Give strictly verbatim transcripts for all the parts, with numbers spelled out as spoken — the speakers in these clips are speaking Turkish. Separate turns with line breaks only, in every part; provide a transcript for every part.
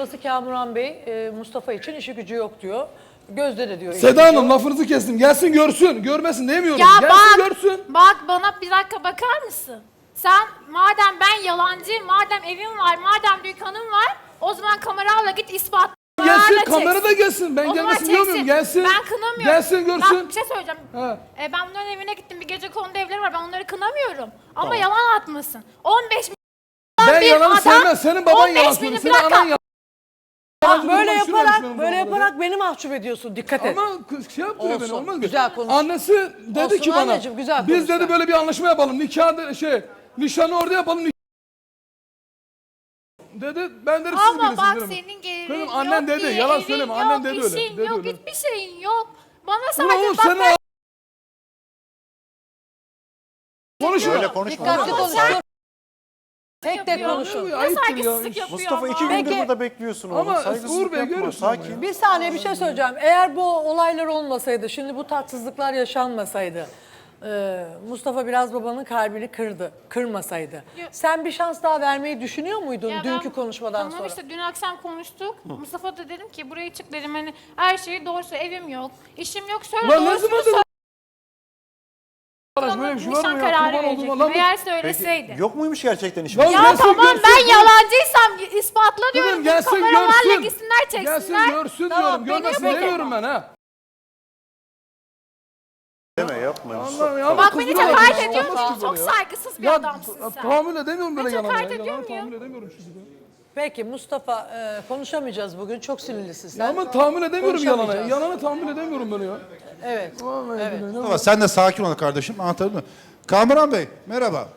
babası Kamuran Bey e, Mustafa için işi gücü yok diyor. Gözde de diyor.
Seda Hanım lafınızı kestim. Gelsin görsün. Görmesin demiyorum.
Ya
Gelsin
bak,
görsün.
bak bana bir dakika bakar mısın? Sen madem ben yalancıyım, madem evim var, madem dükkanım var, o zaman kameralarla git ispat.
Gelsin kamera da gelsin. Ben
O zaman
gelmesin diyor muyum?
çeksin.
Gelsin.
Ben kınamıyorum.
Gelsin görsün.
Bak bir şey söyleyeceğim.
Ha.
E, ben bunların evine gittim, bir gece konuda evleri var, ben onları kınamıyorum. Ama yalan atmasın. on beş milyon
Ben
bir
yalanı
adam,
sevmem. Senin baban
on beş
yalan
milyon-
söylüyor.
bir
Senin
dakika.
anan yalan.
Bak böyle
Konuşuyormuş
yaparak
benim
böyle
babamla.
yaparak beni mahcup ediyorsun. Dikkat et.
Ama kız şey yaptırıyor beni.
Olsun,
Olmaz mı?
güzel konuş.
Annesi dedi
Olsun
ki bana.
anneciğim, güzel
Biz
konuş
dedi
sen.
böyle bir anlaşma yapalım. Nikah de- şey nişanı orada yapalım. nik- Dedi. Ben dedim siz
Ama
bilirsiniz
bak
dedim.
senin gelirin
Kızım,
yok
annen dedi,
diye,
yalan
evin
söyleme,
yok,
annen dedi öyle,
işin
dedi
yok,
öyle.
hiçbir şeyin yok. Bana
Ulan
sadece
oğlum
bak
sen
ben...
konuşma.
Öyle konuşma.
Dikkatli
Ama
konuş.
sen-
Tek tek
yapıyor.
konuşun.
Ne
Ayıptır ya.
saygısızlık yapıyor
Mustafa
ama.
iki gündür
Peki.
burada bekliyorsun oğlum.
Ama
Saygısızlık
Uğur Bey
yapma.
görüyorsun ama
Sakin.
ya.
Bir saniye bir şey söyleyeceğim. Eğer bu olaylar olmasaydı, şimdi bu tatsızlıklar yaşanmasaydı, e, Mustafa biraz babanın kalbini kırdı, kırmasaydı.
Yok.
Sen bir şans daha vermeyi düşünüyor muydun
Ya
dünkü
ben-
konuşmadan
tamam
sonra?
işte dün akşam konuştuk. Mustafa da dedim ki buraya çık dedim, hani her şeyi doğru söyle, evim yok, işim yok, söyle
Ulan ne
doğrusunu
zaman
söyle.
Arkadaş böyle bir şey var
Nişan
mı ya?
kararı
Kurban olduğum
verecektim.
Allah.
Eğer
Peki,
söyleseydi.
yok muymuş gerçekten işin?
Lan
Ya
gelsin
tamam
görsün,
ben
görsün.
yalancıysam ispatla diyorum.
Kızım
Bu
gelsin
kameralarla
görsün.
gitsinler çeksinler.
Gelsin görsün
Tamam,
diyorum.
peki,
Görmesin
peki.
demiyorum ben ha.
Deme yapma.
Allah'ım ya.
Bak
kız
beni
böyle
hakaret
olmaz
ediyor
ki
musun?
böyle
Çok
ya.
saygısız bir
Ya
adamsın sen.
tahammül edemiyorum böyle
Hiç
yalana.
hakaret
ya.
ediyor
Yalana
muyum?
tahammül edemiyorum şimdi.
Peki Mustafa e, konuşamayacağız bugün. Çok sinirlisin sen.
Ya ama tahammül edemiyorum yalana.
Konuşamayacağız.
Yalana tahammül edemiyorum ben ya.
Evet.
Vallahi
Evet.
billahi.
Ama sen de sakin ol kardeşim. Anlatabildim mi? Kamuran Bey merhaba.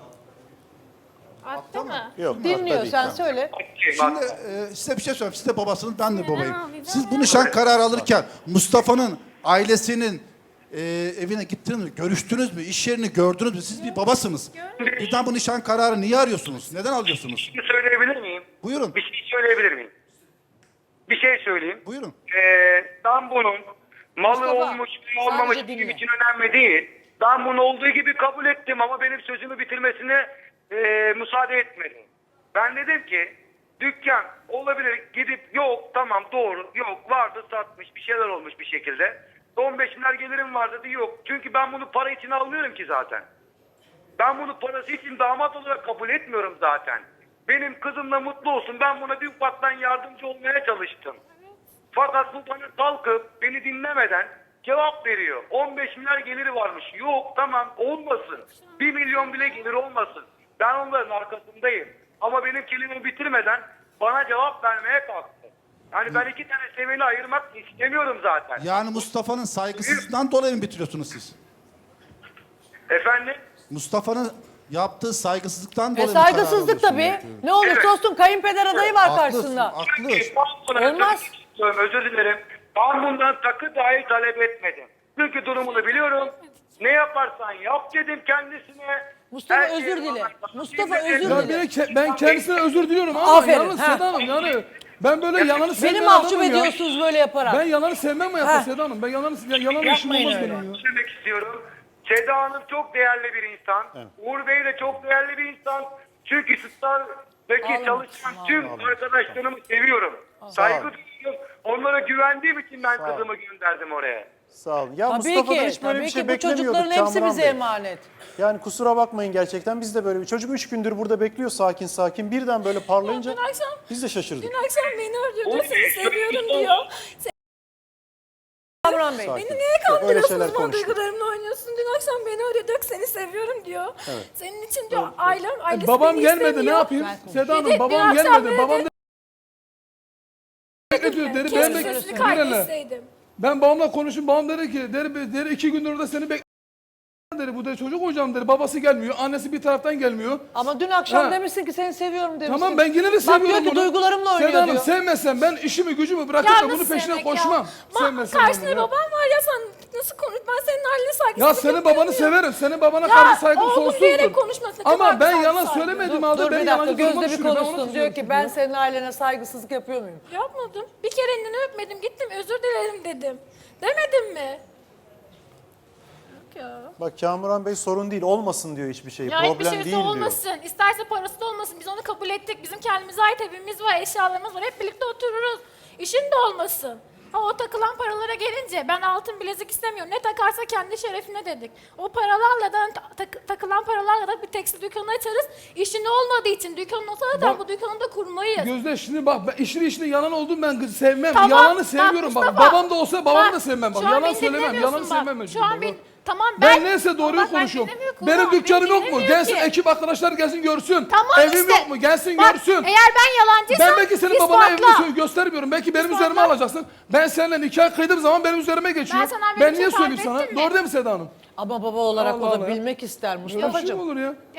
Attı mı?
Yok.
Dinliyor
tabii,
sen
tamam.
söyle.
Şimdi e, size bir şey söyleyeyim. Siz de babasınız, ben de babayım.
abi,
Siz
ben
bu nişan kararı alırken Mustafa'nın ailesinin e, evine gittiniz mi? Görüştünüz mü? İş yerini gördünüz mü? Siz bir babasınız. Birden bu nişan kararı niye arıyorsunuz? Neden alıyorsunuz?
Bir şey söyleyebilir miyim?
Buyurun.
Bir şey söyleyebilir miyim? Bir şey söyleyeyim.
Buyurun.
Ee, ben bunun malı
Mustafa,
olmuş mu olmamış
sadece
benim
dinle.
için önemli değil. Ben bunu olduğu gibi kabul ettim ama benim sözümü bitirmesine e, müsaade etmedi. Ben dedim ki dükkan olabilir, gidip yok tamam doğru yok vardı satmış bir şeyler olmuş bir şekilde. on beş milyar gelirim var dedi, yok. Çünkü ben bunu para için alıyorum ki zaten. Ben bunu parası için damat olarak kabul etmiyorum zaten. Benim kızımla mutlu olsun. Ben buna bir ufaktan yardımcı olmaya çalıştım. Fakat bu bana kalkıp beni dinlemeden cevap veriyor. on beş milyar geliri varmış. Yok tamam olmasın. bir milyon bile gelir olmasın. Ben onların arkasındayım. Ama benim kelimemi bitirmeden bana cevap vermeye kalktı. Yani ben iki tane seviyeli ayırmak istemiyorum zaten.
Yani Mustafa'nın saygısızlığından dolayı mı bitiriyorsunuz siz?
Efendim?
Mustafa'nın yaptığı saygısızlıktan
E
dolayı mı karar
saygısızlık
alıyorsunuz?
tabii. Ne olursa olsun kayınpeder adayı var karşısında.
Haklı.
Olmaz.
Olmaz. Özür dilerim. Ben bundan takı dahi talep etmedim. Çünkü durumunu biliyorum. Ne yaparsan yap dedim kendisine.
Mustafa,
Her şeyi
özür dile.
bana-
Mustafa,
Dinle-
özür
Ya
dile.
bir ke- ben kendisine özür diliyorum ama
Aferin,
yalnız
ha.
Seda Hanım yani ben böyle yalanı sevmeyen
Beni mahcup
adamım ya.
ediyorsunuz böyle yaparak.
Ben yalanı sevmem hayatta
Ha.
Seda Hanım. Ben yalanı, ya, yalan işim
Yapmayın
olmaz
öyle.
benim ya.
Demek istiyorum. Seda Hanım çok değerli bir insan. Uğur Bey de çok değerli bir insan. Çünkü Star'daki
Ağlama,
çalışan
ağlama.
tüm arkadaşlarımı seviyorum. Saygı duyuyorum. Onlara güvendiğim için ben kızımı gönderdim oraya.
Sağ olun. Ya
Tabii
Mustafa'dan
ki,
hiç böyle
tabii
bir şey
ki bu
beklemiyorduk
çocukların hepsi
Kamuran
bize
Bey.
emanet.
Yani kusura bakmayın gerçekten biz de böyle bir çocuk üç gündür burada bekliyor sakin sakin birden böyle parlayınca
Dün akşam,
biz de şaşırdık.
dün akşam beni arıyordu,
Oğlum,
seni
şöyle
seviyorum
bir-
diyor.
Kamuran Bey.
Sakin.
Beni niye
Yok, öyle
kandırıyorsunuz,
şeyler
bana
konuştuk.
duygularımla oynuyorsun? Dün akşam beni arıyor, diyor ki seni seviyorum diyor. Senin için diyor ailem, ailesi
Babam
beni
gelmedi ne
istemiyor.
yapayım? Seda Hanım
Dedi,
babam
dün akşam
gelmedi.
dedi.
Babam da bekletiyor. Deri ben
Keşke
bek-
sesini
Bir hele.
kaydetseydim.
Ben babamla konuştum. Babam dedi ki deri, deri iki gündür orada seni bek dedi. Bu da çocuk hocam dedi. Babası gelmiyor. Annesi bir taraftan gelmiyor.
Ama dün akşam
Ha.
demişsin ki seni seviyorum demişsin.
Tamam ben yine de
Bak
seviyorum
diyor ki
bunu.
duygularımla oynuyor
Seda Hanım
diyor.
sevmezsem ben işimi gücümü bırakıp
Ya
da bunun
nasıl
peşine
sevmek
koşmam.
ya? Ma-
Sevmezsem
karşında
bunu ya.
babam var ya, sen nasıl konuş? Ben senin haline saygısızlık
Ya senin
yapıyorum
babanı
ya.
severim. Senin babana
Ya,
karşı saygım
oğlum
sonsuzdur.
diyerek konuşmasın. Ne
Ama
kadar
ben
güzel
yalan
saygı.
söylemedim
Dur,
halde
dur
beni
bir dakika
yalancı duruma
Gözde bir
düşürüyor. Ben ona
konuşsun.
kızıyorum
Diyor ki
çünkü
ben
ya.
senin ailene saygısızlık yapıyor muyum?
Yapmadım. Bir kere elini öpmedim. Gittim özür dilerim dedim. Demedim mi? ya.
Bak Kamuran Bey sorun değil, olmasın diyor hiçbir şey.
Ya
Problem
hiçbir şeysi
değil diyor.
olmasın. İsterse parası da olmasın. Biz onu kabul ettik. Bizim kendimize ait evimiz var, eşyalarımız var. Hep birlikte otururuz. İşin de olmasın. Ha o takılan paralara gelince ben altın bilezik istemiyorum. Ne takarsa kendi şerefine dedik. O paralarla da tak- takılan paralarla da bir tekstil dükkanı açarız. İşin olmadığı için dükkanın olsa da
Bak-
bu dükkanı da kurmayız.
Gözde şimdi bak ben işini işini yalan olduğunu ben kız sevmem.
Tamam,
Yalanı
bak
sevmiyorum bak.
Mustafa,
Babam da olsa babamı
bak,
da sevmem bak.
şu an
Yalan
beni
söylemem.
dinlemiyorsun
Yalan
bak.
sevmem.
Şu an ben, tamam
Ben,
ben...
neyse doğruyu
Bak, ben
konuşuyorum.
dinlemiyor,
Benim
kulağım,
dükkanım
beni
yok mu?
dinlemiyor
Gelsin
ki.
ekip arkadaşlar gelsin görsün.
Tamam
Evim
işte.
yok mu? Gelsin
Bak,
görsün.
Eğer ben yalancıysam
Ben belki senin babana
ispatla.
evini göstermiyorum. Belki benim
İspatla.
üzerime alacaksın. Ben seninle nikah kıydığım zaman benim üzerime geçiyor.
Ben sana böyle
Ben
bir
niye
şey
söyleyeyim
tarif
sana?
ettim mi?
Doğru değil mi Seda Hanım?
Ama baba olarak
Allah
o da
Allah.
bilmek ister
Böyle bir şey mi
Mustafa'cığım.
olur ya?